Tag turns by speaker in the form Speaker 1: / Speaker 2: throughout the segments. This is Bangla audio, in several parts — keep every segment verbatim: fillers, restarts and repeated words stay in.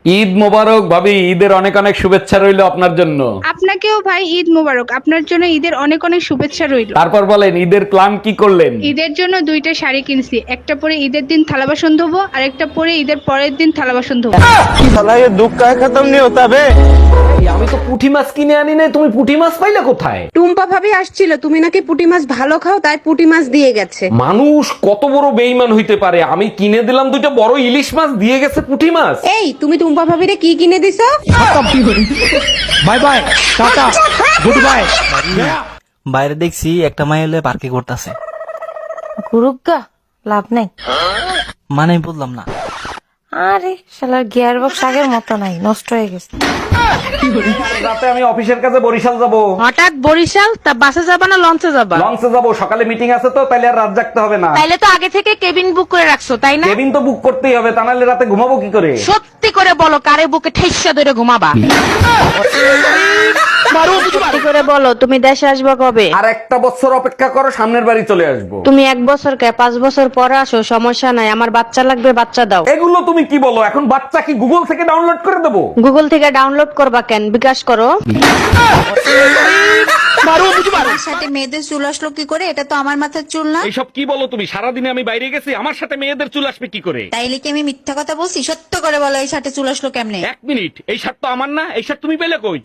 Speaker 1: ঈদ মোবারক ভাবি, ঈদের অনেক অনেক শুভেচ্ছা রইলো আপনার জন্য।
Speaker 2: আপনাকেও ভাই ঈদ মোবারক। আপনার জন্য ঈদের অনেক অনেক শুভেচ্ছা রইল।
Speaker 1: তারপর বলেন ঈদের প্ল্যান কি করলেন?
Speaker 2: ঈদের জন্য দুইটা শাড়ি কিনছি, একটা পরে ঈদের দিন থালা বাসন ধোবো আর একটা পরে ঈদের পরের দিন থালা বাসন ধোবো।
Speaker 1: এই, আমি তো পুঁটি মাছ কিনে আনি নাই, তুমি পুঁটি মাছ পাইলে কোথায়?
Speaker 3: টুম্পা ভাবি আসছিল, তুমি নাকি পুঁটি মাছ ভালো খাও, তাই পুঁটি মাছ দিয়ে গেছে।
Speaker 1: মানুষ কত বড় বেইমান হইতে পারে! আমি কিনে দিলাম দুইটা বড় ইলিশ মাছ, দিয়ে গেছে পুঁটি মাছ।
Speaker 3: এই তুমি টুম্পা ভাবিরে কি কিনে দিছো?
Speaker 4: Bye bye, tata, good bye.
Speaker 5: বাইরে দেখছি একটা মাই হলে পার্কে করতেছে।
Speaker 6: গুরুগা লাভ নাই।
Speaker 5: মানে আমি বললাম না।
Speaker 6: আরে শালার গিয়ার বক্স আগের মতো নাই, নষ্ট হয়ে গেছে।
Speaker 1: রাতে আমি অফিসের কাছে বরিশাল যাব।
Speaker 6: হঠাৎ বরিশাল? তা বাসে যাবা না লঞ্চে যাবা?
Speaker 1: লঞ্চে যাব, সকালে মিটিং আছে তো, তাইলে আর রাত জাগতে হবে না।
Speaker 6: তাইলে তো আগে থেকে কেবিন বুক করে রাখছো, তাই না?
Speaker 1: কেবিন তো বুক করতেই হবে, তা নাহলে রাতে ঘুমাবো কি করে?
Speaker 6: সত্যি করে বলো, কারে বুকে ঠেসা ধরে ঘুমাবা? সত্যি করে বলো, তুমি দেশে আসবা কবে?
Speaker 1: আর একটা বছর অপেক্ষা করো, সামনের বাড়ি চলে আসবো।
Speaker 6: তুমি এক বছর কে পাঁচ বছর পরে আসো, সমস্যা নাই। আমার বাচ্চা লাগবে, বাচ্চা দাও।
Speaker 1: এগুলো তুমি কি বলো? এখন বাচ্চা কি গুগল থেকে ডাউনলোড করে দেবো?
Speaker 6: গুগল থেকে ডাউনলোড করবা কেন? বিকাশ করো।
Speaker 7: আমার সাথে মেয়েদের চুল আসলো কি করে? এটা তো আমার মাথার চুল না।
Speaker 1: এইসব কি বলো তুমি? সারাদিনে আমি বাইরে গেছি, আমার সাথে মেয়েদের চুল আসবে কি করে?
Speaker 7: তাইলে কি আমি মিথ্যা কথা বলছি? সত্য করে বলো, এই সাথে চুল আসলো কেমনে?
Speaker 1: এক মিনিট, এই শার্ট তো আমার না, এই শার্ট তুমি পেলে কই?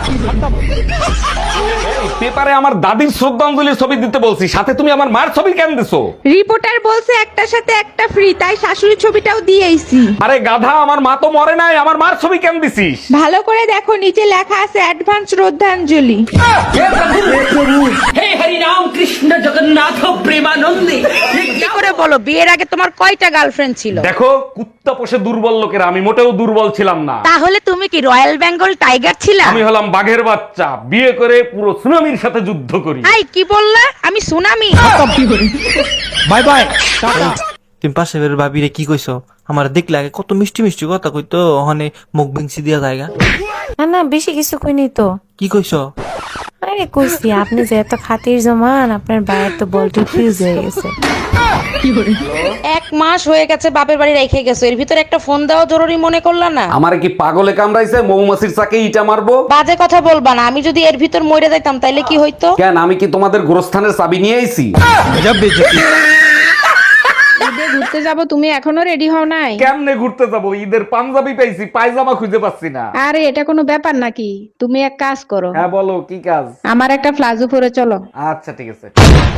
Speaker 1: এই পেপারে আমার দাদির শ্রদ্ধাঞ্জলির ছবি দিতে বলছি, সাথে তুমি আমার মার ছবি কেন দিছো?
Speaker 2: রিপোর্টার বলছে একটার সাথে একটা ফ্রি, তাই শাশুড়ির ছবিটাও দিয়ে আইছি।
Speaker 1: আরে গাধা, আমার মা তো মরে নাই, আমার মার ছবি কেন দিছিস?
Speaker 2: ভালো করে দেখো, নিচে লেখা আছে অ্যাডভান্স শ্রদ্ধাঞ্জলি।
Speaker 6: কি করে বলো, বিয়ের আগে তোমার কয়টা গার্লফ্রেন্ড ছিল?
Speaker 1: দেখো, কুত্তা পোষে দুর্বল লোকেরা, আমি মোটেও দুর্বল ছিলাম না।
Speaker 6: তাহলে তুমি কি রয়্যাল বেঙ্গল টাইগার ছিলা?
Speaker 1: আমি হলাম বাঘের বাচ্চা, বিয়ে করে পুরো সুনামির সাথে যুদ্ধ করি।
Speaker 6: আই কি বললা? আমি সুনামি?
Speaker 4: By bye, tata.
Speaker 5: তুমি পাশে বের ভাবিরে কি কইছো? আমার দেখলে আগে কত মিষ্টি মিষ্টি কথা কইতো, ওখানে মুখ বিংসি দিয়া জায়গা।
Speaker 6: না না, বেশি কিছু কইনি তো।
Speaker 5: কি কইছো?
Speaker 6: আরে কইছি, আপনি যে এত খাতির জমান, আপনার বাইরে তো বলটি ফিউজ হয়ে গেছে। এক মাস হয়ে গেছে বাপের বাড়ি রেখে গেছো, এর ভিতরে একটা ফোন দেওয়া জরুরি মনে করলা না?
Speaker 1: আমার কি পাগলে কামড়াইছে? মৌমাছির চাকে ইটা মারবো?
Speaker 6: বাজে কথা বলবা না। আমি যদি এর ভিতর মরে যাইতাম তাইলে কি হইতো?
Speaker 1: কেন, আমি কি তোমাদের গোরস্থানের চাবি নিয়ে আইছি?
Speaker 2: ঈদে ঘুরতে যাব, তুমি এখনো রেডি হও নাই?
Speaker 1: কেমনে ঘুরতে যাবো? ঈদের পাঞ্জাবি পাইছি, পায়জামা খুঁজে পাচ্ছি না।
Speaker 2: আরে এটা কোনো ব্যাপার নাকি? তুমি এক কাজ করো,
Speaker 1: হ্যাঁ বলো, কি কাজ?
Speaker 2: আমার একটা প্লাজো পরে চলো।
Speaker 1: আচ্ছা ঠিক আছে।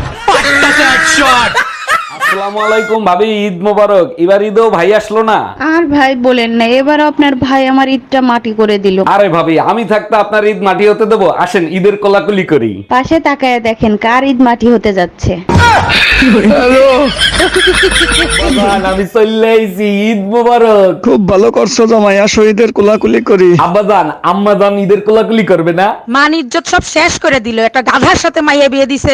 Speaker 1: আসসালামু আলাইকুম ভাবি, ঈদ মোবারক। এবার ঈদেও ভাই আসলো না?
Speaker 2: আর ভাই বলেন না, এবার আপনার ভাই আমার ঈদটা মাটি করে দিল।
Speaker 1: আরে ভাবি, আমি থাকতে আপনার ঈদ মাটি হতে দেবো? আসেন ঈদের কোলাকুলি করি।
Speaker 2: পাশে তাকায় দেখেন কার ঈদ মাটি হতে যাচ্ছে।
Speaker 1: বাবান, আমি চলে আইছি, ঈদ মোবারক।
Speaker 4: খুব ভালো করছো জামাই, আসো ঈদের কোলাকুলি করি।
Speaker 1: আব্বাজান আম্মাজান ঈদের কোলাকুলি করবে না?
Speaker 6: মান ইজ্জত সব শেষ করে দিল, একটা গাধার সাথে মাইয়া বিয়ে দিছে।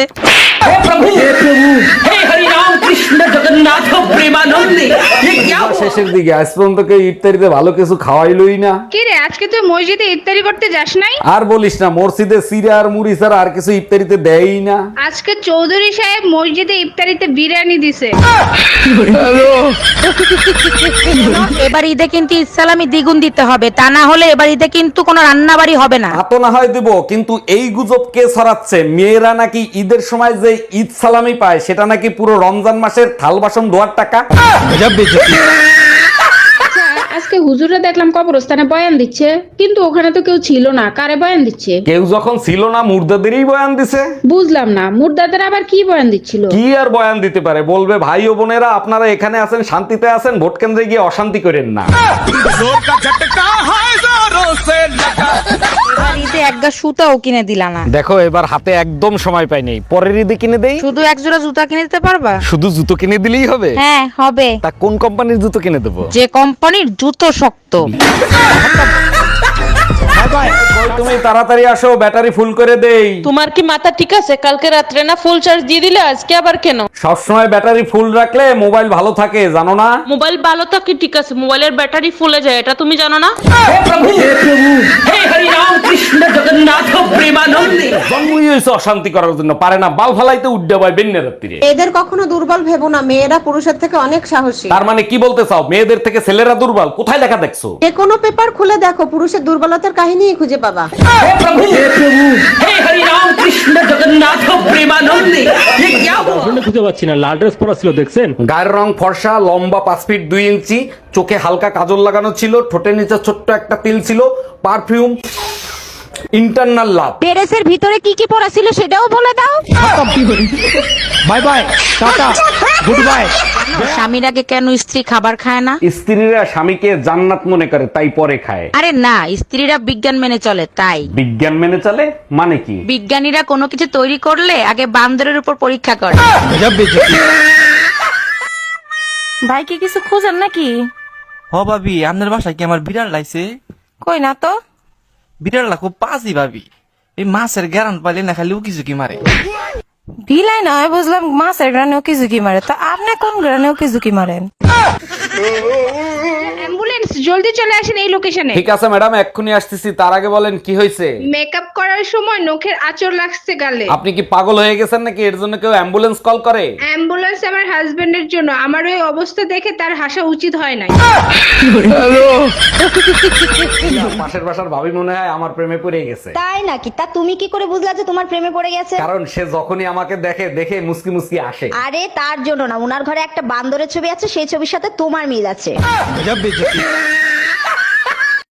Speaker 1: শেষের দিকে আজ পর্যন্ত কেউ ইফতারিতে ভালো কিছু খাওয়াইলই না।
Speaker 2: কি রে, আজকে তুই মসজিদে ইফতারি করতে যাস নাই?
Speaker 1: আর বলিস না, মসজিদে সিরা আর মুড়ি ছাড়া আর কিছু ইফতারিতে দেয়ই না।
Speaker 2: আজকে চৌধুরী সাহেব মসজিদে ইফতারিতে বিরিয়ানি দিছে।
Speaker 6: এবার ঈদে কিন্তু ইসলামি দ্বিগুণ দিতে হবে, তা না হলে এবার ঈদে কিন্তু কোনো রান্না বাড়ি হবে না।
Speaker 1: তা তো না হয় দেবো, কিন্তু এই গুজব কে ছড়াচ্ছে? মেয়েরা নাকি ঈদের সময় যে ঈদ সালামি পায়, সেটা নাকি পুরো রমজান মাসের থাল বাসন ধোয়ার টাকা।
Speaker 2: আজকে হুজুরে দেখলাম কবরস্থানে বয়ান দিচ্ছে, কিন্তু ওখানে তো কেউ ছিল না। কারে বয়ান দিচ্ছে?
Speaker 1: কেউ যখন ছিল না, মুর্দাদেরই বয়ান দিছে।
Speaker 2: বুঝলাম না, মুর্দাদের আবার কি বয়ান দিচ্ছিল?
Speaker 1: কি আর বয়ান দিতে পারে? বলবে ভাই ও বোনেরা, আপনারা এখানে আছেন, শান্তিতে আছেন, ভোট কেন্দ্রে গিয়ে অশান্তি করেন না।
Speaker 6: এবার ঈদে এক গা সুতাও কিনে দিলা না।
Speaker 1: দেখো, এবার হাতে একদম সময় পাই নেই, পরের ঈদে কিনে দেই।
Speaker 6: শুধু এক জোড়া জুতা কিনে দিতে পারবা?
Speaker 1: শুধু জুতো কিনে দিলেই হবে?
Speaker 6: হ্যাঁ হবে।
Speaker 1: তা কোন কোম্পানির জুতো কিনে দেবো?
Speaker 6: যে কোম্পানির জুতো শক্ত।
Speaker 1: কই তুমি তাড়াতাড়ি আসো, ব্যাটারি ফুল করে দেই।
Speaker 8: তোমার কি মাথা ঠিক আছে? কালকে রাত্রে না ফুল চার্জ দিয়ে দিলে, আজকে আবার কেন?
Speaker 1: সবসময় ব্যাটারি ফুল রাখলে মোবাইল ভালো থাকে, জানো না?
Speaker 8: মোবাইল ভালো থাকে ঠিক আছে, মোবাইলের ব্যাটারি ফুলে যায়, এটা তুমি জানো না?
Speaker 1: জন্মই হয়েছে অশান্তি করার জন্য, পারে না বাল ফালাইতে উড্ডে বয় বেন্যা রাত্রিরে।
Speaker 3: এদের কখনো দুর্বল ভেবো না, মেয়েরা পুরুষের থেকে অনেক সাহসী।
Speaker 1: তার মানে কি বলতে চাও, মেয়েদের থেকে ছেলেরা দুর্বল? কোথায় লেখা দেখছো?
Speaker 3: যে কোনো পেপার খুলে দেখো, পুরুষের দুর্বলতার কাহিনী খুঁজে পাবা।
Speaker 4: খুঁজে পাচ্ছি না, লাল ড্রেস পরা ছিল দেখছেন?
Speaker 1: গায়ের রং ফর্সা, লম্বা পাঁচ ফিট দুই ইঞ্চি, চোখে হালকা কাজল লাগানো ছিল, ঠোঁটের নিচে ছোট্ট একটা তিল ছিল, পারফিউম, ইন্টারনাল লাভ।
Speaker 6: ড্রেসের ভিতরে কি কি পরা ছিল সেটাও বলে দাও।
Speaker 4: Bye bye, tata, good bye.
Speaker 6: স্বামীর আগে কেন স্ত্রী খাবার খায় না?
Speaker 1: স্ত্রীরা স্বামীকে জান্নাত মনে করে তাই পরে খায়।
Speaker 6: আরে না, স্ত্রীরা বিজ্ঞান মেনে চলে তাই।
Speaker 1: বিজ্ঞান মেনে চলে মানে কি?
Speaker 6: বিজ্ঞানীরা কোনো কিছু তৈরি করলে আগে বান্দরের উপর পরীক্ষা করে। ভাই কি কিছু খোঁজেন নাকি?
Speaker 5: হ ভাবি, আপনার বাসায় কি আমার বিড়াল লাইছে?
Speaker 6: কই না তো।
Speaker 5: বিড়ালটা খুব পাজি ভাবি, এই মাছের গ্যারান পাইলে না খালি উকি ঝুঁকি মারে।
Speaker 6: বিলাই নয় বুঝলাম, মাছের গ্রানেও কি ঝুঁকি মারে, তো আপনি কোন গ্রানেও কি ঝুঁকি মারেন?
Speaker 2: অ্যাম্বুলেন্স, জলদি চলে আসেন এই লোকেশনে।
Speaker 1: ঠিক আছে ম্যাডাম, এক্ষুনি আসতেছি। তার আগে বলেন কি হয়েছে?
Speaker 2: মেকআপ করার সময় নখের আঁচড় লাগছে গালে।
Speaker 1: আপনি কি পাগল হয়ে গেছেন নাকি? এর জন্য কেউ অ্যাম্বুলেন্স কল করে?
Speaker 2: অ্যাম্বুলেন্স আমার হাজবেন্ডের জন্য, আমার ওই অবস্থা দেখে তার হাসা উচিত হয় নাই।
Speaker 1: পাশের বাসার ভাবি মনে হয় আমার প্রেমে পড়ে গেছে।
Speaker 7: তাই নাকি? তা তুমি কি করে বুঝলা যে তোমার প্রেমে পড়ে গেছে?
Speaker 1: কারণ সে যখনই আমাকে দেখে দেখে মুসকি মুসকি আসে।
Speaker 7: আরে তার জন্য না, উনার ঘরে একটা বান্দরের ছবি আছে, সেই ছবির সাথে তোমার মিল আছে।